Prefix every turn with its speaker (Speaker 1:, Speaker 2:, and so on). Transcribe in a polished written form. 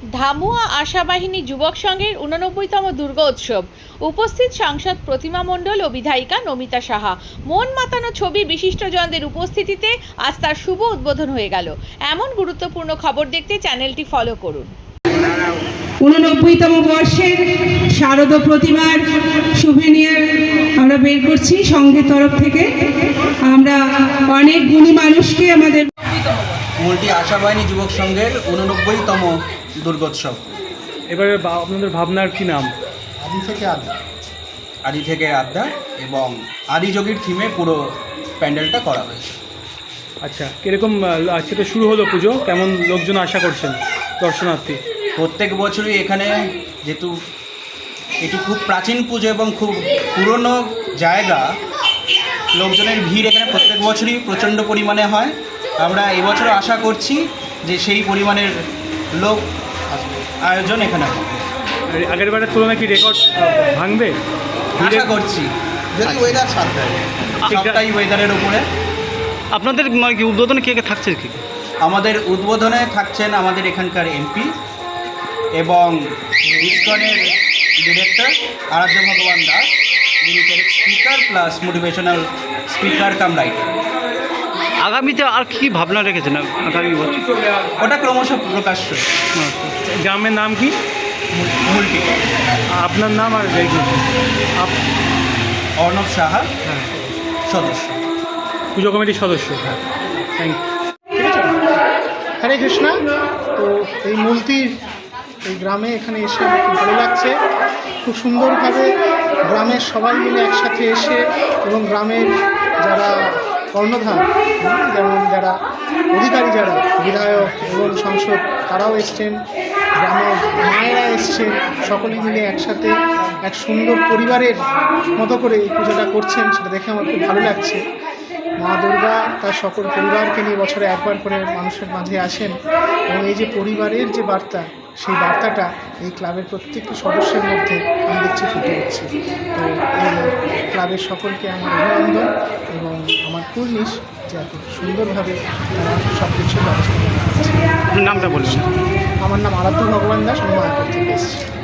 Speaker 1: ধামুয়া আশাবাহিনী যুবক সংঘের 89তম দুর্গোৎসব। উপস্থিত সাংসদ প্রতিমা মণ্ডল ও বিধায়িকা নমিতা সাহা। মন মাতানো ছবি বিশিষ্টজনদের উপস্থিতিতে আজ তার শুভ উদ্বোধন হয়ে গেল। এমন গুরুত্বপূর্ণ খবর দেখতে চ্যানেলটি ফলো করুন।
Speaker 2: 89তম বর্ষের শারদ প্রতিমার সুভেনিয়ার আমরা বের করছি সংঘের তরফ থেকে। আমরা অনেক গুণী মানুষকে আমাদের
Speaker 3: মূলটি আশাবাহিনী যুবক সংঘের 89তম দুর্গোৎসব।
Speaker 4: এবারে আপনাদের ভাবনার কি নাম?
Speaker 3: আদি থেকে আড্ডা এবং আদিযোগীর থিমে পুরো প্যান্ডেলটা করা হয়েছে।
Speaker 4: আচ্ছা, কীরকম আজকে তো শুরু হলো পুজো, কেমন লোকজন আশা করছেন দর্শনার্থী?
Speaker 3: প্রত্যেক বছরই এখানে যেহেতু এটি খুব প্রাচীন পুজো এবং খুব পুরনো জায়গা, লোকজনের ভিড় এখানে প্রত্যেক বছরই প্রচণ্ড পরিমাণে হয়। আমরা এবছর আশা করছি যে সেই পরিমাণের লোক আয়োজন এখানে হবে।
Speaker 4: আগের বারের তুলনায় কি রেকর্ড ভাঙবে
Speaker 3: আশা করছি, যদি ওয়েদার সাথ দেয়। সবটাই ওয়েদারের উপরে।
Speaker 4: আপনাদের কি উদ্বোধনে কে কে থাকছে? কি
Speaker 3: আমাদের উদ্বোধনে থাকছেন আমাদের এখানকার এমপি এবং ইসকনের ডিরেক্টর আরাধ্য ভগবান দাস, যিনি speaker plus motivational speaker cum writer.
Speaker 4: আগামীতে আর কি ভাবনা রেখেছেন আগামী বছর?
Speaker 3: ওটা ক্রমশ প্রকাশ্য।
Speaker 4: গ্রামের নাম কি?
Speaker 3: মূলটি।
Speaker 4: আপনার নাম আর
Speaker 3: অর্ণব সাহা, সদস্য,
Speaker 4: পুজো কমিটির সদস্য। হ্যাঁ, থ্যাংক ইউ।
Speaker 5: ঠিক আছে, হরে কৃষ্ণা। তো এই মূর্তির এই গ্রামে এখানে এসে আমার খুব ভালো লাগছে। খুব সুন্দরভাবে গ্রামের সবাই মিলে একসাথে এসে এবং গ্রামের যারা কর্ণধার, যেমন যারা অধিকারী, যারা বিধায়ক এবং সাংসদ, তারাও এসছেন, গ্রামের মায়েরা এসছেন, সকলে মিলে একসাথে এক সুন্দর পরিবারের মতো করে এই পুজোটা করছেন, সেটা দেখে আমার খুব ভালো লাগছে। মা দুর্গা তার সকল পরিবারকে নিয়ে বছরে একবার করে মানুষের মাঝে আসেন এবং এই যে পরিবারের যে বার্তা, সেই বার্তাটা এই ক্লাবের প্রত্যেকটি সদস্যের মধ্যে আমি দেখছি ফুটে উঠছে। তো এই ক্লাবের সকলকে আমার অভিনন্দন এবং আমার কুর্নিশ যে এত সুন্দরভাবে তারা সব কিছুর ব্যবস্থা করে।
Speaker 4: নামটা বলুন।
Speaker 5: আমার নাম আরাধ্য ভগবান দাস, আমি মায়াপুর থেকে এসেছি।